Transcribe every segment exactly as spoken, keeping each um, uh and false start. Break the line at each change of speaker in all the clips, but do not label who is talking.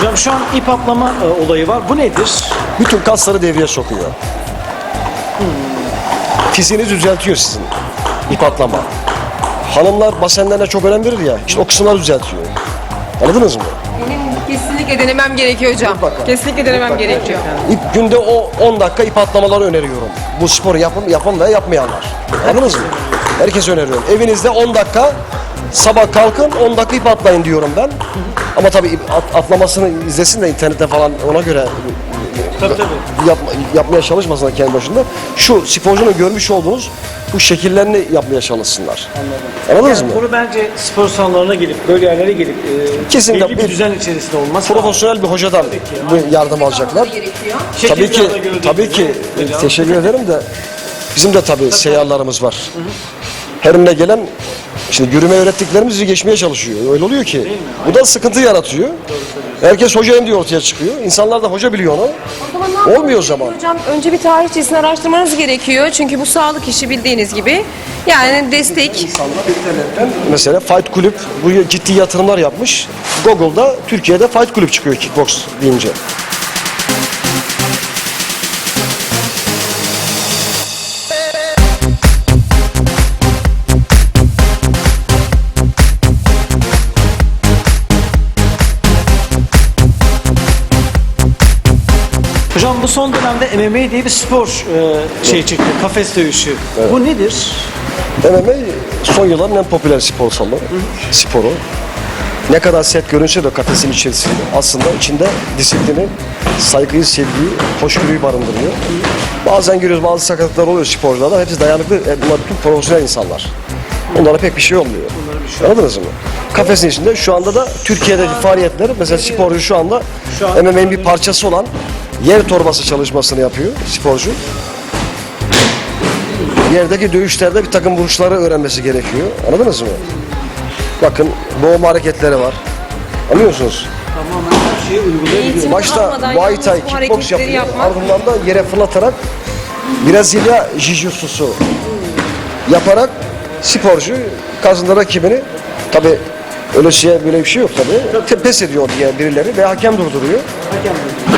Hocam şu an ip atlama e, olayı var. Bu nedir?
Bütün kasları devreye sokuyor. Hmm. Fiziğini düzeltiyor sizin. İp atlama. Hanımlar basenlerine çok önem verir ya. İşte o kısımları düzeltiyor. Anladınız mı?
Benim kesinlikle denemem gerekiyor hocam.
Mutlaka.
Kesinlikle denemem
Mutlaka.
gerekiyor.
İp, günde o on dakika ip atlamaları öneriyorum. Bu sporu yapın, yapın ve yapmayanlar. Anladınız mı? Herkese öneriyorum. Evinizde on dakika sabah kalkın on dakika ip atlayın diyorum ben. Ama tabii ip at, atlamasını izlesin de internette falan ona göre
Tabii tabii.
Yapma, yapmaya çalışmasınlar kendi başında. Şu sporcunun görmüş olduğunuz bu şekillerini yapmaya çalışsınlar.
Anladım.
Anladınız
Yani
mı?
bunu bence spor salonlarına gelip, böyle yerlere gelip e,
Kesinlikle
belli bir
bir
düzen içerisinde olmaz.
Profesyonel bir hocadan bu yardım alacaklar.
Gerekiyor.
Tabii ki, tabii ki teşekkür ederim de bizim de tabii seyyarlarımız var. Her önüne gelen şimdi yürüme öğrettiklerimizi geçmeye çalışıyor. Öyle oluyor ki. Bu da sıkıntı yaratıyor. Herkes hocayım diye ortaya çıkıyor. İnsanlar da hoca biliyor onu.
O zaman ne yapmamız
Olmuyor o zaman.
gerekiyor hocam? Önce bir tarihçesini araştırmanız gerekiyor. Çünkü bu sağlık işi bildiğiniz gibi. Yani destek.
İnternetten mesela Fight Kulüp buraya ciddi yatırımlar yapmış. Google'da Türkiye'de Fight Kulüp çıkıyor kickbox deyince.
Hocam bu son dönemde M M A diye bir spor e, şey çıktı. Kafes dövüşü. Bu nedir?
M M A son yılların en popüler spor salonu, sporu. Ne kadar sert görünse de kafesin içerisinde aslında içinde disiplini, saygıyı, sevgiyi, hoşgörüyü barındırıyor. Bazen görüyoruz bazı sakatlıklar oluyor sporcularda. Hepsi dayanıklı, bunlar tüm profesyonel insanlar. Onlara pek bir şey olmuyor. Anladınız mı? Kafesin içinde şu anda da Türkiye'deki faaliyetleri mesela sporcu şu anda M M A'nin bir parçası olan yer torbası çalışmasını yapıyor sporcu. Yerdeki dövüşlerde bir takım vuruşları öğrenmesi gerekiyor. Anladınız mı? Bakın boğma hareketleri var. Anlıyor musunuz?
Tamamen her şeyi uygulayabiliyor.
Eğitim
Başta
almadan
Muay
yalnız
Thai,
bu
kickbox
hareketleri
yapıyor.
yapmak.
Ardından da yere fırlatarak Brezilya Jiu-Jitsu'su yaparak sporcu karşısında rakibini tabi öyle şey böyle bir şey yok tabi. Te- Pes ediyor diye birileri ve hakem durduruyor.
Hakem dedi.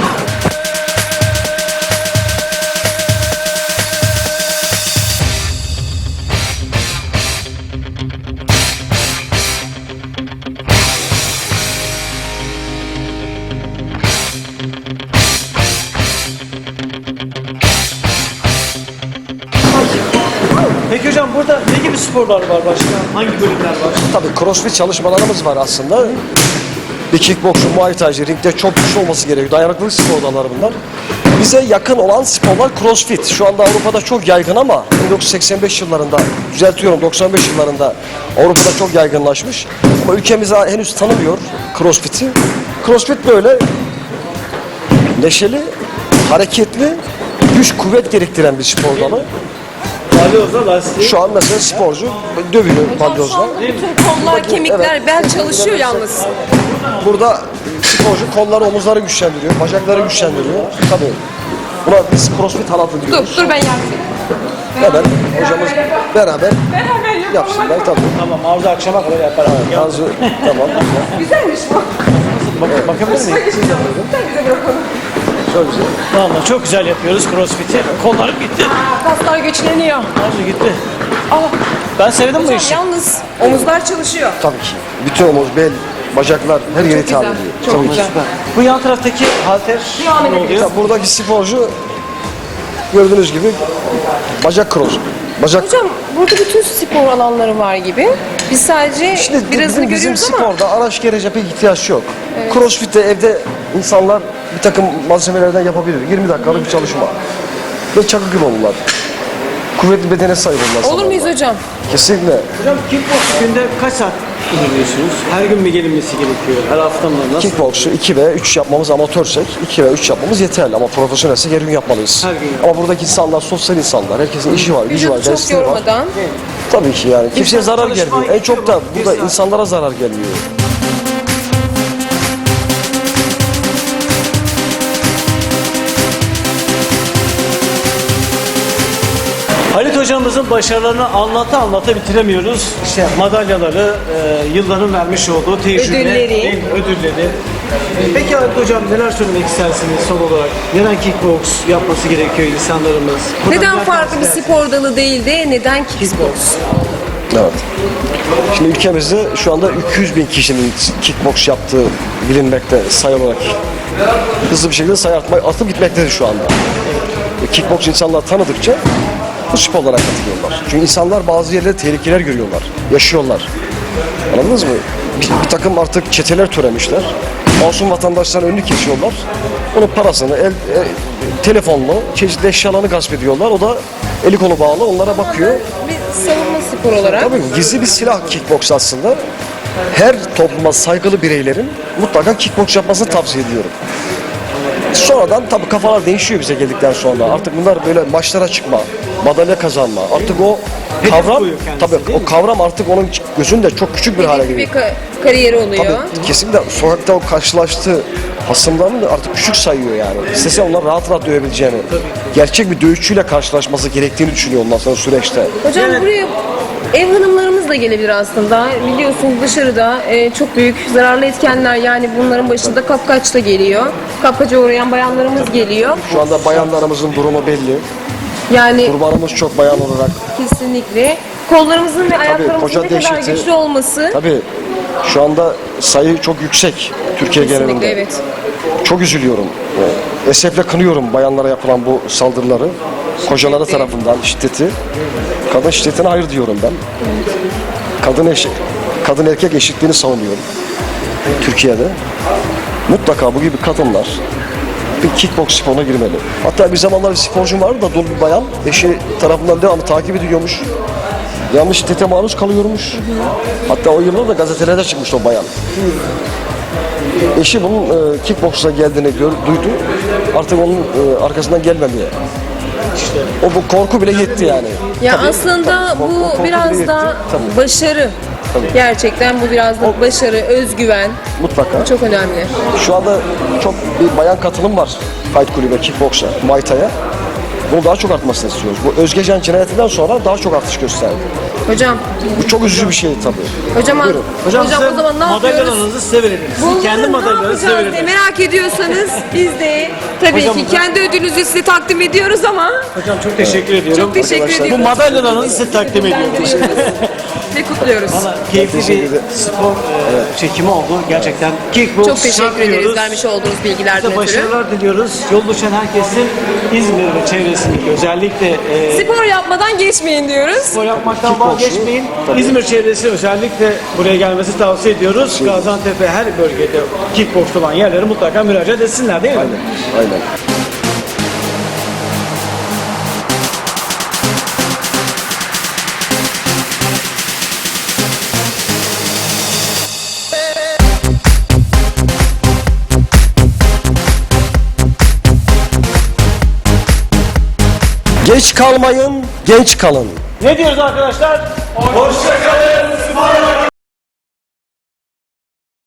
Peki hocam burada ne gibi sporlar var başka? Hangi bölümler var?
Tabii crossfit çalışmalarımız var aslında. Bir kickboxçu, muay thai'ci ringde çok güçlü olması gerekiyor. Dayanıklılık spor dalları bunlar. Bize yakın olan sporlar crossfit. Şu anda Avrupa'da çok yaygın ama bin dokuz yüz seksen beş yıllarında, düzeltiyorum doksan beş yıllarında Avrupa'da çok yaygınlaşmış. Ama ülkemiz henüz tanımıyor crossfit'i. Crossfit böyle neşeli, hareketli, güç kuvvet gerektiren bir spor dalı.
Balyozla lastiği.
Şu an mesela sporcu dövüyor balyozla.
Bütün kollar, kemikler, bel çalışıyor yalnız.
Burada sporcu kolları, omuzları güçlendiriyor, bacakları güçlendiriyor. Tabii. Buna biz crossfit halatı
Dur,
diyoruz.
dur ben yardım
Hemen hocamız beraber
Beraber yapalım.
yapsınlar tabii.
Tamam Arzu akşama kadar yapar. abi.
Arzu, tamam.
Güzelmiş bu.
Bak, bakabilir miyim?
Sen bize bırakalım.
Çok güzel.
Vallahi çok güzel yapıyoruz crossfit'i. Kollarım gitti.
Aa, kaslar güçleniyor.
Arzu gitti.
Aa,
Ben sevdim bu
hocam
işi.
yalnız omuzlar çalışıyor.
Tabii ki. Bütün omuz, bel, bacaklar her yeri
Çok
hitap
güzel.
ediyor.
Çok
Tabii ki.
güzel.
Bu yan taraftaki halter
Devam
ne
edebiliriz.
oluyor?
Ya buradaki sporcu gördüğünüz gibi bacak cross. Bacak
Hocam burada bütün spor alanları var gibi. Biz sadece
İşte
birazını
bizim, bizim
görüyoruz ama
sporda araç gerece pek ihtiyaç yok. Crossfit'te evde insanlar bir takım malzemelerden yapabilir. yirmi dakikalık bir çalışma. Ve çakı gibi olurlar. Kuvvetli bedene sahip olurlar.
olur muyuz hocam?
Kesinlikle.
Hocam kickbox günde kaç saat kullanıyorsunuz? Her gün mü gelinmesi gerekiyor? Her hafta mı? Nasıl?
Kickbox'u iki ve üç yapmamız amatörsek iki ve üç yapmamız yeterli ama profesyonelse her gün yapmalıyız.
Her gün.
Ama buradaki insanlar sosyal insanlar. Herkesin işi var, gücü var,
Vücudu çok
dersleri var.
yormadan.
Tabii ki yani. Kimseye
İnsan
zarar
çalışmaya
gelmiyor. En çok da
gidiyor, bir
burada
saat.
insanlara zarar gelmiyor.
Halit hocamızın başarılarını anlata anlata bitiremiyoruz. İşte madalyaları, e, yılların vermiş olduğu tecrübe,
Ödülleri.
değil mi? ödülleri. Peki Haluk Hocam neler söylemek istersiniz son olarak? Neden kickbox yapması gerekiyor insanlarımız? Buradan
Neden
neler
farklı bir
tavsiye
spor dalı değil de neden kickbox?
Evet. Şimdi ülkemizde şu anda iki yüz bin kişinin kickbox yaptığı bilinmekte sayı olarak. Hızlı bir şekilde sayı artma, atıp gitmektedir şu anda. E, Kickbox insanlar tanıdıkça bu sporlara katılıyorlar. Çünkü insanlar bazı yerlerde tehlikeler görüyorlar, yaşıyorlar. Anladınız mı? Bir, bir takım artık çeteler türemişler. Masum vatandaşların önünü kesiyorlar. Onun parasını, el, e, telefonla, çeşitli eşyalarını gasp ediyorlar. O da eli kolu bağlı onlara bakıyor.
Bir savunma spor olarak.
Tabii gizli bir silah kickbox aslında. Her topluma saygılı bireylerin mutlaka kickbox yapmasını tavsiye ediyorum. Sonradan tabii kafalar değişiyor bize geldikten sonra. Artık bunlar böyle maçlara çıkma, madalya kazanma. Artık o
Hedef
kavram,
koyuyor kendisi,
tabii
değil
o
mi?
kavram artık onun gözünde çok küçük bir hale
Bir
geliyor.
ka- kariyeri oluyor.
Tabii kesinlikle sokakta o karşılaştığı hasımlarını da artık küçük sayıyor yani. İstese onlar rahat rahat dövebileceğini. Gerçek bir dövüşçüyle karşılaşması gerektiğini düşünüyor ondan sonra süreçte.
Hocam buraya ev hanımlarımız da gelebilir aslında. Biliyorsunuz dışarıda e, çok büyük zararlı etkenler, yani bunların başında kapkaç da geliyor. Kapkaca uğrayan bayanlarımız geliyor.
Şu anda bayanlarımızın durumu belli.
Yani
Kurbanımız çok bayan olarak.
kesinlikle kollarımızın ve ayaklarımızın
koca
ne kadar
dehşeti-
güçlü olması.
Tabii şu anda sayı çok yüksek Türkiye
Kesinlikle
genelinde.
evet.
Çok üzülüyorum. Ee, Esefle kınıyorum bayanlara yapılan bu saldırıları. Kocaları
Şiddeti.
tarafından şiddeti. Kadın şiddetine hayır diyorum ben. Kadın eşit, kadın erkek eşitliğini savunuyorum. Türkiye'de. Mutlaka bu gibi kadınlar bir kickbox sporuna girmeli. Hatta bir zamanlar bir sporcum vardı da dul bir bayan eşi tarafından devamlı takip ediliyormuş. Devamlı şiddete maruz kalıyormuş. Hatta o yıllarda gazetelerde çıkmış o bayan. Eşi bunun e, kickbox'a geldiğini gör, duydu. Artık onun e, arkasından gelmemeye. O bu korku bile yetti yani.
Ya aslında
tabii, korku-
bu
korku bile
biraz
yetti.
da
Tabii.
başarı.
Tabii.
Gerçekten bu biraz da başarı, özgüven
Mutlaka.
çok önemli.
Şu anda çok bir bayan katılım var Fight Kulübe, kickbox'a, Muay Thai'ye. Bunu daha çok artmasını istiyoruz. Bu Özgecan cinayetinden sonra daha çok artış gösterdi.
Hocam,
Bu çok üzücü bir şey tabii.
hocam,
Buyurun.
Hocam,
hocam
size
o zaman ne yapıyoruz?
madalyalarınızı size verelim. Sizin
Bunları
kendi
ne
madalyalarınızı size
yapacağız diye
verelim.
merak ediyorsanız biz de tabii
Hocam,
ki
bu-
kendi ödülünüzü size takdim ediyoruz ama
Hocam çok teşekkür ediyorum.
çok teşekkür
Arkadaşlar,
ediyoruz.
Bu madalyalarınızı size takdim ediyoruz.
Ve kutluyoruz.
Valla keyifli
teşekkür
bir
ederim.
spor e, çekimi oldu. Gerçekten kickbox
Çok teşekkür ederiz
diyoruz.
vermiş olduğunuz bilgilerden
Size
ötürü.
başarılar diliyoruz. Yol düşen herkesin İzmir ve çevresindeki özellikle e,
Spor yapmadan geçmeyin diyoruz.
spor yapmaktan
Kickboxu,
vazgeçmeyin.
tabii.
İzmir çevresi özellikle buraya gelmesi tavsiye ediyoruz. Gaziantep'e her bölgede kickbox olan yerlere mutlaka müracaat etsinler değil mi?
Aynen. Aynen. Geç kalmayın, genç kalın.
Ne diyoruz arkadaşlar? Hoşçakalın.